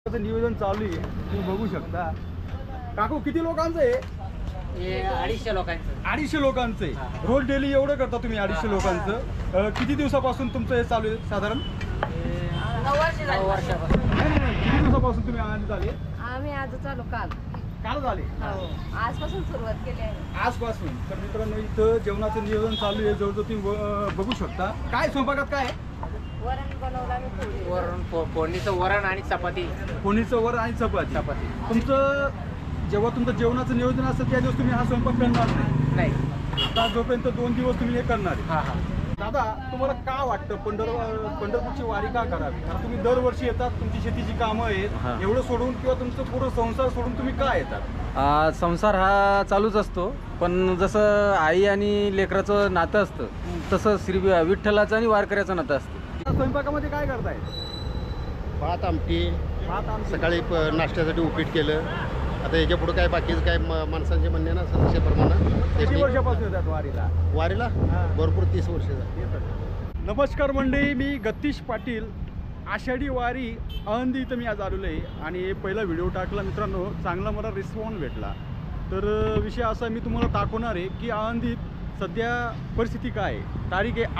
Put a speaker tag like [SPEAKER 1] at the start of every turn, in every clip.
[SPEAKER 1] नियोजन चालू आहे, तुम्ही बघू शकता. काकू किती लोकांचं आहे?
[SPEAKER 2] 250 लोकांचं.
[SPEAKER 1] 250 लोकांचं आहे. रोज डेली एवढं करता तुम्ही 250 लोकांचं? किती दिवसापासून तुमचं हे चालू आहे साधारण?
[SPEAKER 2] 9 वर्षापासून.
[SPEAKER 1] नाही, किती दिवसापासून तुम्ही आनंद आले?
[SPEAKER 3] आम्ही आज चालू काल
[SPEAKER 1] झाले
[SPEAKER 3] आजपासून सुरुवात केली आहे.
[SPEAKER 1] आजपासून. तर मित्रांनो इथं जेवणाचं नियोजन चालू आहे, जवळजवळ तुम्ही बघू शकता. काय स्वयंपाकात काय आहे?
[SPEAKER 3] वरण बनवलं आम्ही पोळी.
[SPEAKER 2] वरण, फोडणीचं वरण आणि चपाती.
[SPEAKER 1] फोडणीचं वरण आणि चपाती. तुमचं जेव्हा तुमचं जेवणाचं नियोजन असतं त्या दिवस तुम्ही हा स्वयंपाक करणार नाही. आता जोपर्यंत 2 दिवस तुम्ही हे करणार आहे.
[SPEAKER 2] हा.
[SPEAKER 1] दादा, तुम्हाला का वाटतं पंढरपूरची वारी का करावी? कारण तुम्ही दरवर्षी येतात, तुमची शेतीची कामं आहेत, एवढं सोडून किंवा तुमचं पूर्ण संसार सोडून तुम्ही का येतात?
[SPEAKER 4] संसार हा चालूच असतो, पण जसं आई आणि लेकराचं नातं असतं तसं श्री विठ्ठलाचं आणि वारकऱ्याचं नातं असतं.
[SPEAKER 1] स्वयंपाकामध्ये काय करताय?
[SPEAKER 5] भात आमटी.
[SPEAKER 1] आमटी.
[SPEAKER 5] सकाळी नाश्त्यासाठी उपीट केलं. आता याच्या पुढे काय बाकीचं काय माणसांचे म्हणणे ना सदस्याप्रमाणे.
[SPEAKER 1] किती वर्षापासून येतात वारीला?
[SPEAKER 5] वारीला भरपूर 30 वर्ष झाली.
[SPEAKER 1] नमस्कार मंडळी, मी गतीश पाटील. आषाढी वारी आळंदी इथं मी आज आलेलो आहे आणि पहिला व्हिडिओ टाकला मित्रांनो, चांगला मला रिस्पॉन्स भेटला. तर विषय असा मी तुम्हाला दाखवणार आहे की आळंदीत सध्या परिस्थिती काय आहे. तारीख आहे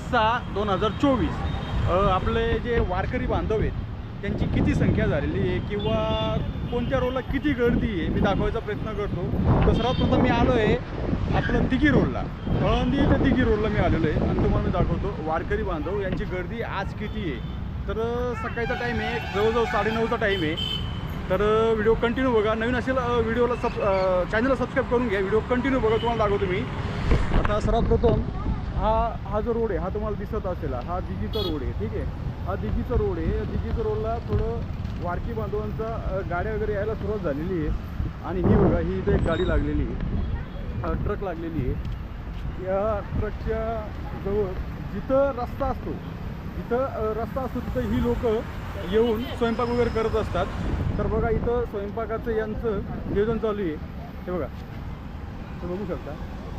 [SPEAKER 1] 28/6/2024. आपले जे वारकरी बांधव आहेत त्यांची किती संख्या झालेली आहे किंवा कोणत्या रोडला किती गर्दी आहे मी दाखवायचा प्रयत्न करतो. तर सर्वात प्रथम मी आलो आहे आपलं दिघी रोडला, आळंदी ते दिघी रोडला मी आलेलो आहे आणि तुम्हाला मी दाखवतो वारकरी बांधव यांची गर्दी आज किती आहे. तर सकाळचा टाईम आहे, जवळजवळ 9:30चा टाईम आहे. तर व्हिडिओ कंटिन्यू बघा. नवीन असेल व्हिडिओला चॅनलला सबस्क्राईब करून घ्या. व्हिडिओ कंटिन्यू बघा, तुम्हाला दाखवतो मी. आता सर्वात प्रथम हा जो रोड आहे हा तुम्हाला दिसत असेल, हा दिघीचा रोड आहे. ठीक आहे, हा दिघीचा रोड आहे. दिघीचा रोडला थोडं वारकी बांधवांचा गाड्या वगैरे यायला सुरुवात झालेली आहे. आणि ही बघा, ही इथं एक गाडी लागलेली आहे, ट्रक लागलेली आहे. या ट्रकच्या जवळ जिथं रस्ता असतो तिथं ही लोक येऊन स्वयंपाक वगैरे करत असतात. तर बघा इथं स्वयंपाकाचं यांचं नियोजन चालू आहे. हे बघा, ते बघू शकता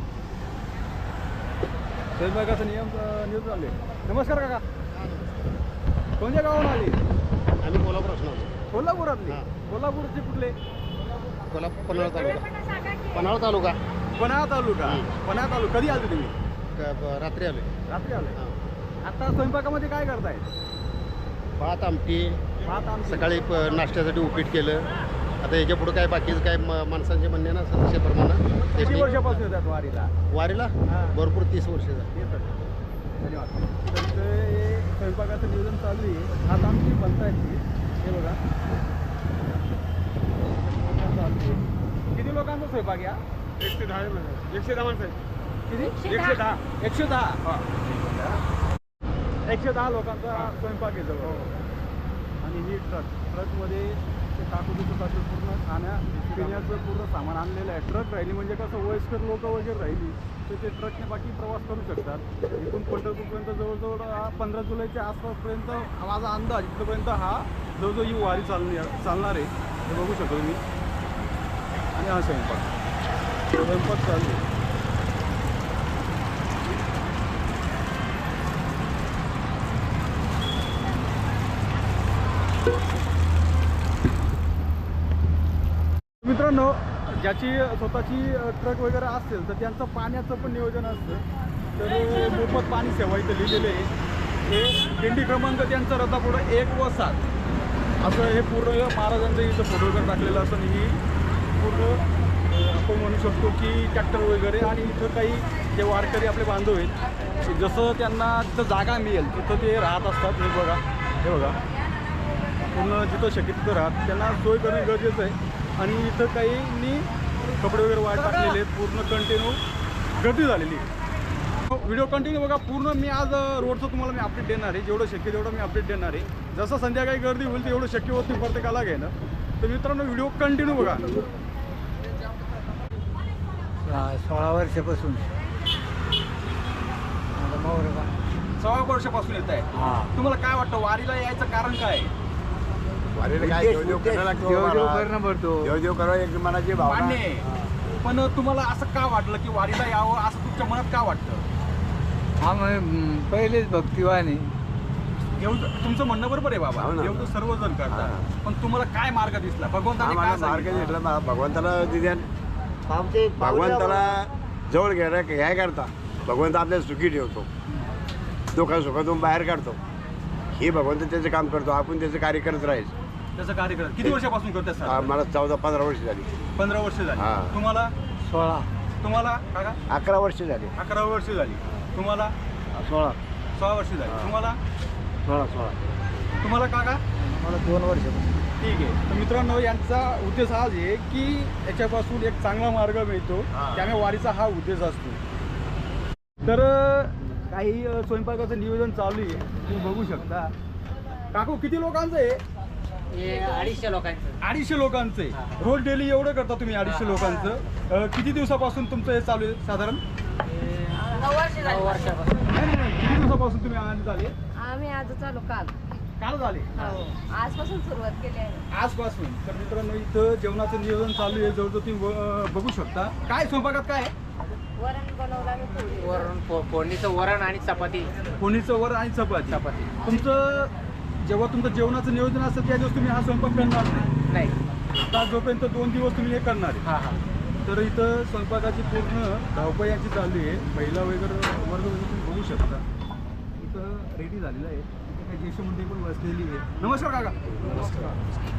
[SPEAKER 1] स्वयंपाकाचं नियोजन चालू आहे. नमस्कार काका, कोणत्या गावाहून आले?
[SPEAKER 5] आम्ही कोल्हापूर असणार.
[SPEAKER 1] कोल्हापुरातले? कोल्हापूरचे कुठले?
[SPEAKER 5] पन्हाळा तालुका.
[SPEAKER 1] पन्हाळा तालुका. कधी आले तुम्ही?
[SPEAKER 5] रात्री आले.
[SPEAKER 1] आता स्वयंपाकामध्ये काय करताय?
[SPEAKER 5] भात आमटी.
[SPEAKER 1] आमटी.
[SPEAKER 5] सकाळी नाश्त्यासाठी उपीट केलं. आता याच्या पुढे काय बाकीचं काय माणसांचे म्हणणे ना सदस्याप्रमाणे.
[SPEAKER 1] किती वर्षापासून येतात वारीला?
[SPEAKER 5] वारीला भरपूर 30 वर्ष झाली.
[SPEAKER 1] धन्यवाद. तर हे स्वयंपाकाचं नियोजन चालू आहे. भात आमटी बनतायत. हे बघा चालू आहे. किती लोकांचा स्वयंपाक या? 110 माणसं आहेत. किती? 110 लोकांचा स्वयंपाक आहे जवळ. आणि ही ट्रकमध्ये ते काकू पूर्ण पिण्याचं पूर्ण सामान आणलेलं आहे. ट्रक राहिली म्हणजे कसं वयस्कर लोक वगैरे राहिली तर ते ट्रकने बाकी प्रवास करू शकतात. इथून पंढरपूरपर्यंत जवळजवळ 15 जुलैच्या आसपासपर्यंत माझा अंदाज इथपर्यंत हा जवळजवळ ही वारी चालणार आहे. हे बघू शकतो मी. आणि हा स्वयंपाक चालू आहे. मित्रांनो, ज्याची स्वतःची ट्रक वगैरे असेल तर त्यांचं पाण्याचं पण नियोजन असतं. तर मोफत पाणी सेवा इथं लिहिलेलं आहे. हे दिंडी क्रमांक त्यांचा रथापुढं 1 व 7 असं हे पूर्ण महाराजांचं इथं फोटो वगैरे टाकलेलं असं. ही पूर्ण आपण म्हणू शकतो की ट्रॅक्टर वगैरे. आणि इथं काही जे वारकरी आपले बांधव आहेत जसं त्यांना तिथं जागा मिळेल तिथं ते राहत असतात. हे बघा पूर्ण जिथं शक्य तिथं राहत त्यांना सोय करणं गरजेचं आहे. आणि इथं काहींनी कपडे वगैरे वाट टाकलेले आहेत. पूर्ण कंटिन्यू गर्दी झालेली आहे. व्हिडिओ कंटिन्यू बघा पूर्ण. मी आज रोडचं तुम्हाला मी अपडेट देणार आहे. जेवढं शक्य तेवढं मी अपडेट देणार आहे. जसं संध्याकाळी गर्दी होईल तर एवढं शक्य होत नाही प्रत्येकाला घेणं. तर मित्रांनो व्हिडिओ कंटिन्यू बघा.
[SPEAKER 4] 16 वर्षापासून
[SPEAKER 1] 16 वर्षापासून येत आहे. तुम्हाला काय वाटतं वारीला यायचं कारण काय आहे?
[SPEAKER 4] देव करावं एक मनाची भावना.
[SPEAKER 1] मान्य आहे, पण तुम्हाला असं का वाटलं की वारीला यावं असं तुमच्या मनात का वाटतं?
[SPEAKER 4] हा पहिलेच भक्तिवान आहे.
[SPEAKER 1] तुमचं म्हणणं बरोबर आहे बाबा,
[SPEAKER 6] हो ना.
[SPEAKER 1] देव तर सर्वजण करतात,
[SPEAKER 6] हा.
[SPEAKER 1] पण तुम्हाला काय मार्ग दिसला भगवंताने
[SPEAKER 6] आम्हाला
[SPEAKER 1] काय
[SPEAKER 6] मार्ग
[SPEAKER 1] सांगितलं?
[SPEAKER 6] घेतला भगवंताला दिल्या भगवंताला जवळ घ्याय करता भगवंत आपल्याला सुखी ठेवतो, दुःखा सुखातून बाहेर काढतो. हे भगवंत त्याचं काम करतो, आपण त्याचं कार्य करत राहायचं.
[SPEAKER 1] त्याचं कार्य करत किती वर्षापासून करतात सर?
[SPEAKER 6] मला 14-15 वर्ष झाली.
[SPEAKER 1] 15 वर्ष झाली.
[SPEAKER 6] हा.
[SPEAKER 1] तुम्हाला
[SPEAKER 6] 16
[SPEAKER 1] तुम्हाला काका
[SPEAKER 6] 11 वर्ष झाली.
[SPEAKER 1] 11 वर्ष झाली. तुम्हाला
[SPEAKER 6] 16
[SPEAKER 1] वर्ष झाली. तुम्हाला
[SPEAKER 6] 16
[SPEAKER 1] तुम्हाला काका
[SPEAKER 6] मला 2 वर्ष.
[SPEAKER 1] ठीक आहे. तर मित्रांनो, यांचा उद्देश हाच आहे की याच्यापासून एक चांगला मार्ग मिळतो, त्यामुळे वारीचा हा उद्देश असतो. तर काही स्वयंपाकाचं नियोजन चालू आहे, तुम्ही बघू शकता. काकू किती लोकांचं आहे?
[SPEAKER 2] हे 250 लोकांचं.
[SPEAKER 1] 250 लोकांचं आहे. रोज डेली एवढं करता तुम्ही 250 लोकांचं? किती दिवसापासून तुमचं हे चालू आहे साधारण?
[SPEAKER 3] 9 वर्ष
[SPEAKER 2] 9
[SPEAKER 3] झाली.
[SPEAKER 2] वर्षापासून.
[SPEAKER 1] नाही, किती दिवसापासून तुम्ही आनंद झाले?
[SPEAKER 3] आम्ही आज चालू
[SPEAKER 1] काल झाले
[SPEAKER 3] हो. आजपासून सुरुवात केली आहे.
[SPEAKER 1] आजपासून. तर मित्रांनो, इथं जेवणाचं नियोजन चालू आहे, जवळजवळ तुम्ही बघू शकता. काय स्वयंपाकात काय आहे?
[SPEAKER 3] वरण बनवलं आम्ही पोळी.
[SPEAKER 2] वरण फोडणीचं वरण आणि चपाती.
[SPEAKER 1] फोडणीचं वर आणि चपाती. तुमचं जेव्हा तुमचं जेवणाचं नियोजन असतं त्या दिवस तुम्ही हा स्वयंपाक करणार नाही.
[SPEAKER 2] नाही.
[SPEAKER 1] आता जोपर्यंत 2 दिवस तुम्ही हे करणार आहे.
[SPEAKER 2] हा हा.
[SPEAKER 1] तर इथं स्वयंपाकाची पूर्ण धावपळ यांची चालू आहे. महिला वगैरे वर्ग वगैरे तुम्ही बघू शकता. इथं रेडी झालेलं आहे. इथे काही ज्येष्ठ मंडळी पण बसलेली आहे. नमस्कार काका. नमस्कार.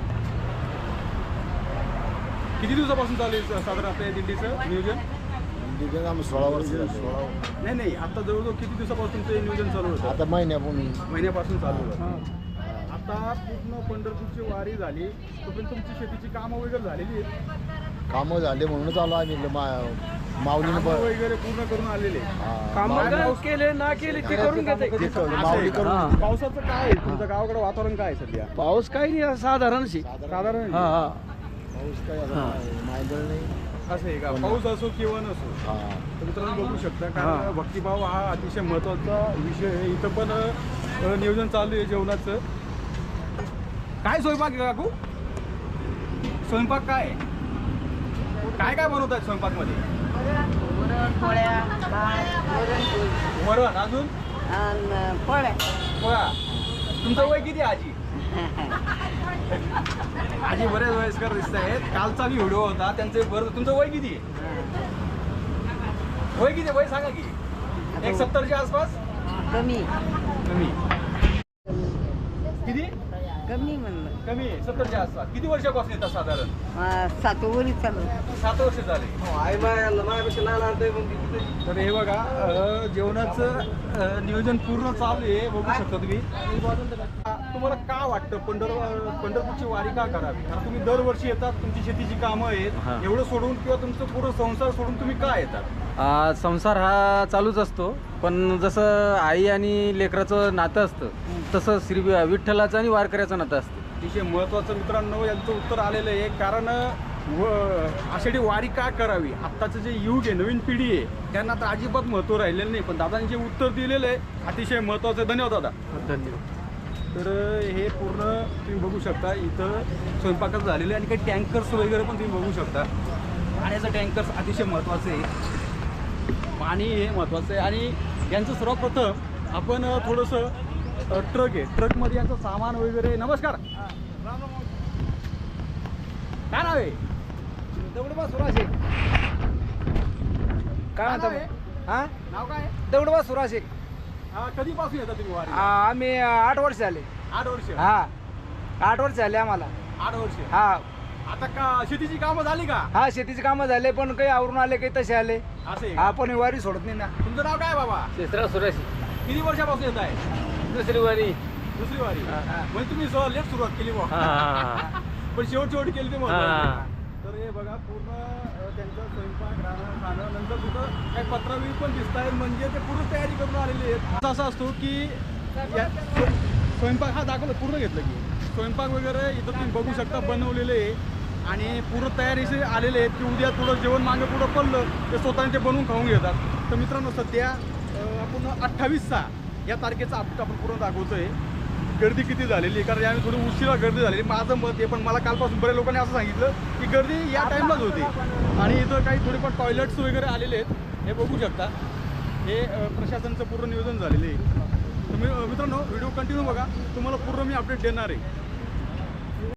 [SPEAKER 1] किती दिवसापासून चालू आहे साधारण आपल्या या दिंडीचं नियोजन?
[SPEAKER 6] 16 वर्ष झाली.
[SPEAKER 1] नाही, आता जवळजवळ किती दिवसापासून तुमचं हे नियोजन चालू होतं?
[SPEAKER 6] आता
[SPEAKER 1] महिन्यापासून चालू होतं. आता पूर्ण पंढरपूरची वारी झाली, तोपर्यंत तुमची शेतीची कामं वगैरे झालेली आहेत?
[SPEAKER 6] कामं झाले म्हणूनच आलो आम्ही माऊलीनं
[SPEAKER 1] कामं वगैरे पूर्ण करून आलेले.
[SPEAKER 4] केले ना केले ते करून घेते.
[SPEAKER 6] माऊली करून
[SPEAKER 1] पावसाचं काय आहे? तुमच्या गावाकडे वातावरण काय आहे सध्या?
[SPEAKER 4] पाऊस काही नाही, साधारण
[SPEAKER 1] साधारण
[SPEAKER 6] पाऊस काही मायदळ नाही.
[SPEAKER 1] असं आहे का? पाऊस असो किंवा नसो. तर मित्रांनो बघू शकता, कारण भक्तिभाव हा अतिशय महत्त्वाचा विषय आहे. इथं पण नियोजन चालू आहे जेवणाचं. काय स्वयंपाक आहे काकू? स्वयंपाक काय आहे? काय काय बनवत आहेत स्वयंपाकमध्ये?
[SPEAKER 3] वरण पोळ्या भात वरण पोळी
[SPEAKER 1] वरण, अजून
[SPEAKER 3] आणि पोळ्या.
[SPEAKER 1] पोळा. तुमचं वय किती आहे आजी? आजी बरेच वयस्कर दिसत आहेत. कालचा मी व्हिडिओ होता त्यांचे बरं. तुमचं वय किती आहे? वय किती? वय सांगा की. 170च्या आसपास?
[SPEAKER 3] कमी
[SPEAKER 1] कमी. किती?
[SPEAKER 3] कमी म्हणलं.
[SPEAKER 1] कमी आहे. 70च्या आसपास. किती वर्षापासून येतात साधारण?
[SPEAKER 3] 7 वरी चालू.
[SPEAKER 1] 7 वर्ष झाले. तर हे बघा, जेवणाचं नियोजन पूर्ण चालू आहे, बघू शकता तुम्ही. तुम्हाला का वाटतं पंढरपूरची वारी का करावी? कारण तुम्ही दरवर्षी येतात, तुमची शेतीची कामं आहेत, एवढं सोडून किंवा तुमचं पूर्ण संसार सोडून तुम्ही का येतात?
[SPEAKER 4] संसार हा चालूच असतो, पण जसं आई आणि लेकराचं नातं असतं तसं श्री विठ्ठलाचं आणि वारकऱ्याचं नातं असतं.
[SPEAKER 1] अतिशय महत्त्वाचं मित्रांनो यांचं उत्तर आलेलं आहे. कारण आषाढी वारी का करावी? आत्ताचं जे युग आहे, नवीन पिढी आहे, त्यांना तर अजिबात महत्त्व राहिलेलं नाही. पण दादांनी जे उत्तर दिलेलं आहे अतिशय महत्त्वाचं. धन्यवाद दादा.
[SPEAKER 4] धन्यवाद.
[SPEAKER 1] तर हे पूर्ण तुम्ही बघू शकता. इथं स्वयंपाकाचं झालेलं आहे आणि काही टँकर्स वगैरे पण तुम्ही बघू शकता. पाण्याचं टँकर्स अतिशय महत्त्वाचं आहे. पाणी हे महत्त्वाचं आहे. आणि यांचं सर्वप्रथम आपण थोडंसं ट्रक आहे, ट्रकमध्ये यांचं सामान वगैरे. नमस्कार. काय नाव आहे?
[SPEAKER 4] दगडोबा सुराशे. काय म्हणता? हा,
[SPEAKER 1] नाव काय आहे?
[SPEAKER 4] दगडोबा सुराशे.
[SPEAKER 1] कधीपासून येतात तुम्ही वारी?
[SPEAKER 4] आम्ही 8 वर्ष झाले.
[SPEAKER 1] 8 वर्ष.
[SPEAKER 4] हा, 8 वर्ष झाले आम्हाला.
[SPEAKER 1] 8 वर्ष.
[SPEAKER 4] हा
[SPEAKER 1] आता का शेतीची कामं झाली का?
[SPEAKER 4] हा, शेतीचे कामं झाले, पण काही आवरून आले, काही तसे आले.
[SPEAKER 1] असं आहे का?
[SPEAKER 4] आपण वारी सोडत नाही ना.
[SPEAKER 1] तुमचं नाव काय बाबा?
[SPEAKER 4] शेषराव सुराशे.
[SPEAKER 1] किती वर्षापासून येत आहे?
[SPEAKER 4] दुसरी वारी.
[SPEAKER 1] दुसरी वारी. म्हणजे तुम्ही लेट सुरुवात केली बा. पण शेवटी केली ते महत्त्वाचं. तर हे बघा, पूर्ण त्यांचा स्वयंपाक, राहणं, खाणं, नंतर कुठं काही पत्रावळी पण दिसत आहे, म्हणजे ते पूर्ण तयारी करून आलेले आहेत. असं असतो की स्वयंपाक हा दाखवलं, पूर्ण घेतलं की स्वयंपाक वगैरे इथं तुम्ही बघू शकता बनवलेले आहे. आणि पूर्ण तयारीचे आलेले आहेत की उद्या थोडं जेवण मागे पुढं पडलं ते स्वतःने ते बनवून खाऊन घेतात. तर मित्रांनो, सध्या आपण 28/6 या तारखेचा अपडेट आपण पूर्ण दाखवतोय. गर्दी किती झालेली आहे, कारण यावेळी थोडी उशिरा गर्दी झालेली. माझं मत आहे, पण मला कालपासून बऱ्याच लोकांनी असं सांगितलं की गर्दी या टाईमलाच होती. आणि इथं काही थोडेफार टॉयलेट्स वगैरे आलेले आहेत, हे बघू शकता. हे प्रशासनाचं पूर्ण नियोजन झालेलं आहे. तर मित्रांनो व्हिडिओ कंटिन्यू बघा, तुम्हाला पूर्ण मी अपडेट देणार आहे.